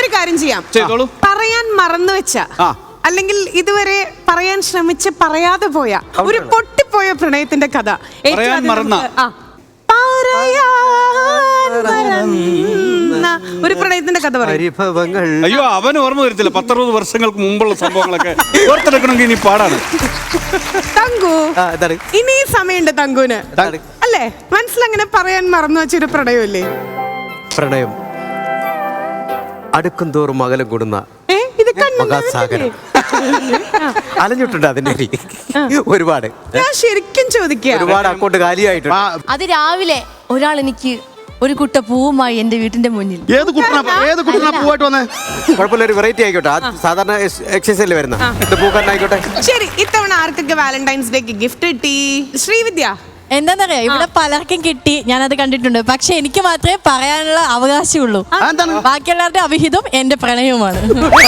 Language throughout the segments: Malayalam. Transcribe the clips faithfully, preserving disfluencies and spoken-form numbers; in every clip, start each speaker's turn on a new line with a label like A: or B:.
A: ഒരു കാര്യം ചെയ്യാം, പറയാൻ മറന്നു വെച്ച അല്ലെങ്കിൽ ഇതുവരെ പറയാൻ ശ്രമിച്ച് പറയാതെ പോയ ഒരു പൊട്ടിപ്പോയ പ്രണയത്തിന്റെ കഥ ഒരു പ്രണയത്തിന്റെ കഥ പറയും.
B: അയ്യോ, അവൻ ഓർമ്മ വരത്തില്ല. പത്തറുപത് വർഷങ്ങൾക്ക് മുമ്പുള്ള സംഭവങ്ങളൊക്കെ ഓർത്തെടുക്കണമെങ്കിൽ ഇനി പാടാണ്.
A: തങ്കു, ഇനി സമയമുണ്ട് തങ്കുന് അല്ലേ? മനസ്സിലങ്ങനെ പറയാൻ മറന്നു വെച്ചൊരു പ്രണയമില്ലേ?
C: പ്രണയം അടുക്കും തോറും അകലം കൂടുന്ന മഹാസാഗരം. അലഞ്ഞിട്ടുണ്ട് അതിന്റെ ഒരുപാട്.
A: ഞാൻ ശരിക്കും ചോദിക്കുക,
C: ഒരുപാട് അക്കൗണ്ട് കാലിയായിട്ടുണ്ട്.
D: അത് രാവിലെ ഒരാൾ എനിക്ക് ഒരു കുട്ട പൂവുമായി എന്റെ വീട്ടിന്റെ മുന്നിൽ.
E: ഏത് ഏത് പൂവായിട്ട് വന്നേ?
C: കുഴപ്പമില്ല, ഒരു വെറൈറ്റി ആയിക്കോട്ടെ. സാധാരണ എക്സസൈസിൽ വരുന്ന പൂക്കാരനായിക്കോട്ടെ.
A: ശരി, ഇത്തവണ ആർക്കൊക്കെ വാലന്റൈൻസ് ഡേക്ക് ഗിഫ്റ്റ് കിട്ടി? ശ്രീവിദ്യ.
D: എന്താന്നറിയാ, ഇവിടെ പലർക്കും കിട്ടി, ഞാനത് കണ്ടിട്ടുണ്ട്. പക്ഷെ എനിക്ക് മാത്രമേ പറയാനുള്ള അവകാശമുള്ളൂ. ബാക്കിയുള്ളവരുടെ അവിഹിതം എന്റെ പ്രണയവുമാണ്.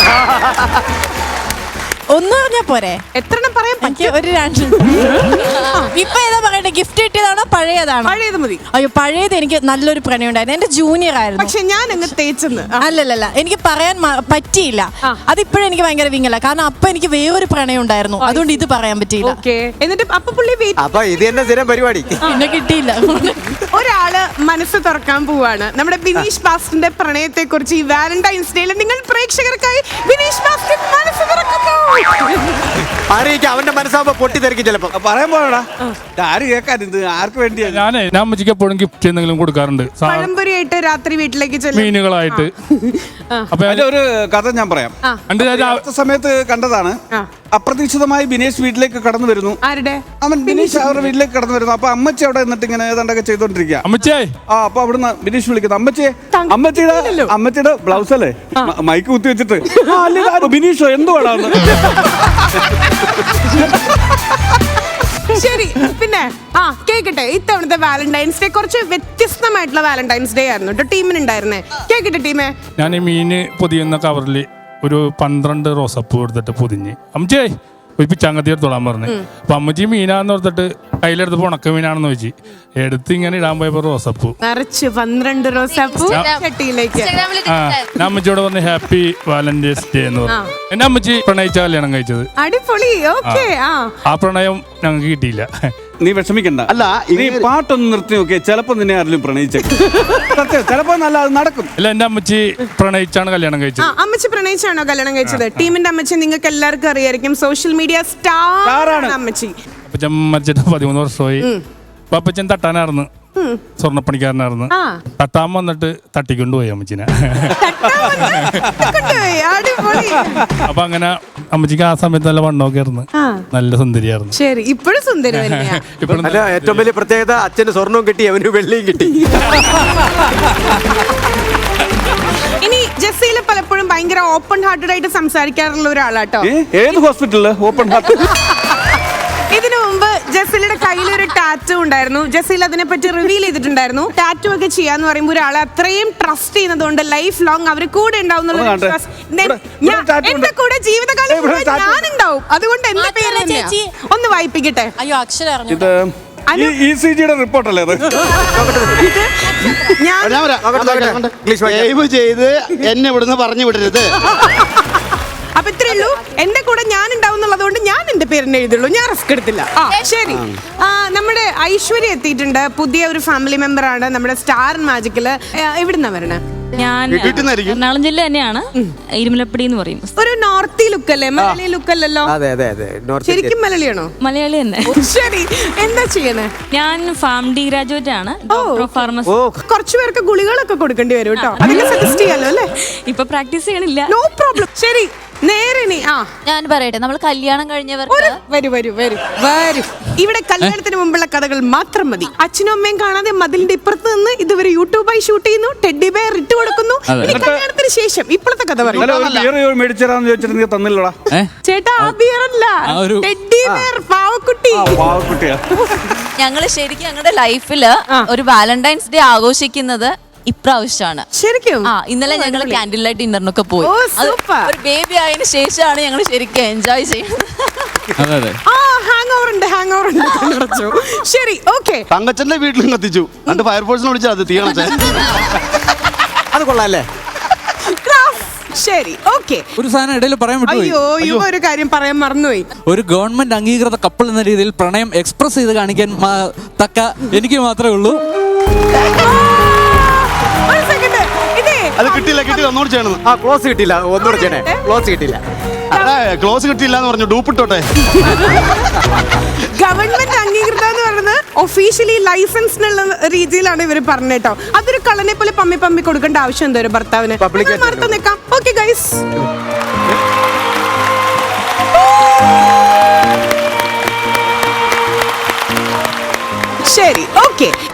D: ഒന്ന് പറഞ്ഞാ പോരെ?
A: എത്ര പറയാൻ പറ്റും?
D: ഒരു രണ്ട്. ഇപ്പൊ ഏതാ പറയട്ടെ, ഗിഫ്റ്റ് കിട്ടിയതാണോ പഴയതാണോ?
A: പഴയത് മതി.
D: അയ്യോ, പഴയത് എനിക്ക് നല്ലൊരു പ്രണയം ഉണ്ടായിരുന്നു. എന്റെ ജൂനിയർ ആയിരുന്നു.
A: പക്ഷെ ഞാൻ അങ്ങ് തേച്ചെന്ന്.
D: അല്ലല്ല, എനിക്ക് പറയാൻ പറ്റിയില്ല. അതിപ്പോഴും എനിക്ക് ഭയങ്കര വിങ്ങല. കാരണം അപ്പൊ എനിക്ക് വേറൊരു പ്രണയം ഉണ്ടായിരുന്നു, അതുകൊണ്ട് ഇത് പറയാൻ പറ്റിയില്ല.
A: എന്നിട്ട് അപ്പൊ പുള്ളി
C: അപ്പൊ ഇത് തന്നെ സ്ഥിരം പരിപാടി.
D: പിന്നെ കിട്ടിയില്ല.
A: ഒരാള് മനസ്സ് തുറക്കാൻ പോവാണ്. നമ്മുടെ ബിനീഷ് ബാസ്റ്റിന്റെ പ്രണയത്തെ കുറിച്ച് ഈ വാലന്റൈൻസ് ഡേയിൽ നിങ്ങൾ പ്രേക്ഷകർക്കായി ബിനീഷ് ബാസ്റ്റിൻ മനസ്സ് തുറക്കുന്നു.
C: അറിയിക്കാം, അവന്റെ മനസ്സാകുമ്പോ പൊട്ടിത്തെറിക്കും ചിലപ്പോ.
B: പറയാൻ പോടാ, ആര് കേൾക്കാൻ? ഇത് ആർക്ക് വേണ്ടിയാ?
F: ഞാനേ ഞാൻ അമ്മച്ചിക്ക് എപ്പോഴും ഗിഫ്റ്റ് എന്തെങ്കിലും കൊടുക്കാറുണ്ട്.
A: പഴംപൊരിയായിട്ട് രാത്രി വീട്ടിലേക്ക് ചെല്ലും,
F: മീനുകളായിട്ട്.
B: അപ്പൊ ഒരു കഥ ഞാൻ പറയാം. സമയത്ത് കണ്ടതാണ്. അപ്രതീക്ഷിതമായി ബിനേഷ് വീട്ടിലേക്ക് കടന്നു വരുന്നു.
A: ആരുടെ?
B: അവൻ ബിനീഷ് അവരുടെ വീട്ടിലേക്ക് കടന്നു വരുന്നു. അപ്പൊ അമ്മച്ചി അവിടെ നിന്നിട്ട് ഇങ്ങനെ ഏതാണ്ടൊക്കെ ചെയ്തോണ്ടിരിക്കുക.
F: അമ്മച്ചേ,
B: ആ അപ്പൊ അവിടുന്ന് ബിനീഷ് വിളിക്കുന്നു, അമ്മച്ചിയെ. അമ്മച്ചിയുടെ അമ്മച്ചിയുടെ ബ്ലൗസ് അല്ലേ മൈക്ക് കുത്തി വെച്ചിട്ട്, ബിനീഷോ എന്തുവാടാന്ന്.
A: ശരി, പിന്നെ ആ കേക്കട്ടെ, ഇത്തവണത്തെ വാലന്റൈൻസ് ഡേ കുറച്ച് വ്യത്യസ്തമായിട്ടുള്ള വാലന്റൈൻസ് ഡേ ആയിരുന്നു കേട്ടോ ടീമിനുണ്ടായിരുന്നേ. കേക്കട്ടെ ടീമേ.
F: ഞാൻ ഈ മീന് പൊതിയുന്ന കവറിൽ ഒരു പന്ത്രണ്ട് റോസപ്പൂ എടുത്തിട്ട് പൊതിഞ്ഞ് അമ്മച്ചേ ഒരു പിച്ചാങ്കത്തി എടുത്തോളാൻ പറഞ്ഞു. അപ്പൊ അമ്മച്ചി മീനാന്ന് ഓർത്തിട്ട് കയ്യിലെടുത്ത് ഉണക്ക മീനാണെന്ന് വെച്ച് എടുത്ത് ഇങ്ങനെ ഇടാൻ പോയപ്പോ റോസപ്പൂ
A: നിറച്ച് പന്ത്രണ്ട് റോസപ്പൂ ചട്ടിയിലേക്ക്.
F: ഞാൻ അമ്മച്ചിയോട് പറഞ്ഞു ഹാപ്പി വാലന്റൈൻസ് ഡേ എന്ന് പറഞ്ഞു. എന്നെ അമ്മച്ചി പ്രണയിച്ച കല്യാണം കഴിച്ചത്.
A: അടിപൊളി. ഓക്കെ.
F: ആ പ്രണയം ഞങ്ങൾക്ക് കിട്ടിയില്ല.
B: നീ വിഷമിക്കണ്ട. അല്ല, നീ പാട്ടൊന്ന് നിർത്തി നോക്കിയേ, ചിലപ്പോ നിന്നെ ആരെങ്കിലും പ്രണയിച്ചേക്കും. ചിലപ്പോ നല്ല അത് നടക്കും.
F: അല്ല, എന്റെ അമ്മച്ചി പ്രണയിച്ചാണ് കല്യാണം കഴിച്ചത്.
A: അമ്മച്ചി പ്രണയിച്ചാണോ കല്യാണം കഴിച്ചത്? ടീമിന്റെ അമ്മച്ചി നിങ്ങൾക്ക് എല്ലാവർക്കും അറിയായിരിക്കും, സോഷ്യൽ മീഡിയ സ്റ്റാർ ആണ് അമ്മച്ചി.
F: അപ്പച്ചൻ മരിച്ചിട്ട് പതിമൂന്ന് വർഷമായി. അപ്പൊ അപ്പച്ചൻ തട്ടാനായിരുന്നു, സ്വർണ്ണപ്പണിക്കാരനായിരുന്നു. തട്ടാൻ വന്നിട്ട് തട്ടിക്കൊണ്ടുപോയി അമ്മച്ചിനെ. അപ്പൊ അങ്ങനെ അമ്മച്ചിക്ക് ആ സമയത്ത് നല്ല വണ്ണമൊക്കെ ആയിരുന്നു, നല്ല സുന്ദരിയായിരുന്നു.
A: ശരി, ഇപ്പോഴും സുന്ദരി.
C: ഏറ്റവും വലിയ പ്രത്യേകത അച്ഛന് സ്വർണവും കിട്ടി, അവന് വെള്ളിയും കിട്ടി.
A: ഇനി ജസീല പലപ്പോഴും ഭയങ്കര ഓപ്പൺ ഹാർട്ടഡ് ആയിട്ട് സംസാരിക്കാറുള്ള ഒരാളാട്ടോ.
B: ഏത് ഹോസ്പിറ്റലില് ഓപ്പൺ ഹാർട്ട്?
A: ഇതിനു മുമ്പ് ജസീലയുടെ കയ്യിൽ ഒരു ടാറ്റു ഉണ്ടായിരുന്നു. ജസീൽ അതിനെ പറ്റി റിവീൽ ചെയ്തിട്ടുണ്ടായിരുന്നു. ടാറ്റു ഒക്കെ ചെയ്യാന്ന് പറയുമ്പോൾ ഒരാളെ അത്രയും ട്രസ്റ്റ് ചെയ്യുന്നതുകൊണ്ട് ലൈഫ് ലോങ് അവർ കൂടെ ഉണ്ടാവും. എന്റെ കൂടെ ജീവിതകാലം ഞാനുണ്ടാവും. അതുകൊണ്ട് എന്റെ പേര് ഒന്ന് വായിപ്പിക്കട്ടെ.
D: അയ്യോ, അക്ഷരം
B: റിപ്പോർട്ടല്ലേ അത്?
E: ചെയ്ത് എന്നെ ഇവിടുന്ന് പറഞ്ഞു വിടരുത്.
A: അപ്പൊ ഇത്രേ ഉള്ളൂ, എന്റെ കൂടെ ഞാൻ ഉണ്ടാവും എന്നുള്ളതുകൊണ്ട് ഞാൻ എന്റെ പേരിനെ എഴുതുള്ളൂ, ഞാൻ റിസ്ക് എടുത്തില്ല. ശരി, നമ്മുടെ ഐശ്വര്യ എത്തിയിട്ടുണ്ട്. പുതിയ ഒരു ഫാമിലി മെമ്പർ ആണ് നമ്മുടെ സ്റ്റാർ മാജിക്കില്. എവിടുന്നാ വരണേ?
G: ഞാൻ എറണാകുളം ജില്ല തന്നെയാണ്, ഇരുമലപ്പടി എന്ന് പറയും.
A: ഒരു നോർത്തി ലുക്ക് അല്ലേ, മലയാളി ലുക്ക് അല്ലല്ലോ? ശരിക്കും മലയാളിയാണോ?
G: മലയാളി തന്നെ.
A: ശരി, എന്താ ചെയ്യണേ?
G: ഞാൻ ഫാം ഡി ഗ്രാജുവേറ്റ് ആണ്.
A: കുറച്ചു പേർക്ക് ഗുളികളൊക്കെ കൊടുക്കേണ്ടി വരും കേട്ടോ, അതൊക്കെ സജസ്റ്റ് ചെയ്യാലോ അല്ലേ?
G: ഇപ്പൊ പ്രാക്ടീസ് ചെയ്യണില്ല.
A: No problem. ശരി, നേരെ നീ. ആ
D: ഞാൻ പറയട്ടെ, നമ്മൾ കല്യാണം കഴിഞ്ഞവർക്ക്
A: വരൂ വരൂ വരൂ വരൂ. ഇവിടെ കല്യാണത്തിന് മുമ്പുള്ള കഥകൾ മാത്രം മതി. അച്ഛനും അമ്മയും കാണാതെ മതിലിന്റെ ഇപ്പുറത്ത് നിന്ന് ഇതുവരെ യൂട്യൂബായി ഷൂട്ട് ചെയ്യുന്നു, ടെഡി ബെയർ ഇട്ട് കൊടുക്കുന്നു. കല്യാണത്തിന് ശേഷം ഇപ്പോഴത്തെ കഥ പറയും. ചേട്ടാ, ആ ബിയർ അല്ല, ടെഡി ബെയർ, പാവക്കുട്ടി.
D: ഞങ്ങള് ശരിക്കും ഞങ്ങളുടെ ലൈഫില് ഒരു വാലന്റൈൻസ് ഡേ ആഘോഷിക്കുന്നത് ഇപ്രാവശ്യമാണ്.
A: ശരിക്കും?
D: ആ, ഇന്നലെ ഞങ്ങൾ ക്യാൻഡിൽ ലൈറ്റ് ഡിന്നറിനൊക്കെ പോയി. ഒരു ബേബി ആയതിനു ശേഷമാണ് ഞങ്ങൾ ശരിക്കും എൻജോയ് ചെയ്യുന്നത്.
A: ശരി, ഓക്കെ.
E: തങ്കച്ചന്റെ വീട്ടിലും കത്തിച്ചു, രണ്ട് ഫയർഫോഴ്സിനെ വിളിച്ചാൽ അത് തീയണേ.
C: അത് കൊള്ളാല്ലേ?
A: ശരി, ഓക്കെ.
H: ഒരു സാധനം ഇടയിൽ പറയാൻ വിട്ടുപോയി.
A: അയ്യോ യുവ ഒരു കാര്യം പറയാൻ മറന്നുപോയി.
H: ഒരു ഗവൺമെന്റ് അംഗീകൃത കപ്പിൾ എന്ന രീതിയിൽ പ്രണയം എക്സ്പ്രസ് ചെയ്ത് കാണിക്കാൻ മാ- തക്ക എനിക്ക് മാത്രമേ ഉള്ളൂ.
A: ഒരു സെക്കൻഡ്, ഇതേ
E: അത് കിട്ടിയില്ല കിട്ടിയില്ല ഒന്നുകൂടി ചെയ്യണം.
C: ആ ക്ലോസ് കിട്ടിയില്ല, ഒന്നുകൂടെ ചെയ്യണേ. ക്ലോസ് കിട്ടിയില്ല.
E: അതാ ക്ലോസ് കിട്ടിയില്ല എന്ന് പറഞ്ഞു, ഡൂപ്പിട്ടോട്ടെ.
A: ഗവൺമെന്റ് അംഗീകൃത എന്ന് പറയുന്നത് ഒഫീഷ്യലി ലൈസൻസ് എന്നുള്ള രീതിയിലാണ് ഇവർ പറഞ്ഞേട്ടോ. അതൊരു കള്ളനെ പോലെ പമ്മി പമ്മി കൊടുക്കേണ്ട ആവശ്യം എന്തോ ഒരു ഭർത്താവിന്.
C: Public ആയിട്ട്
A: മറത്ത് നിൽക്കാം. ഓക്കെ ഗൈസ്, ശരി, ഓക്കെ.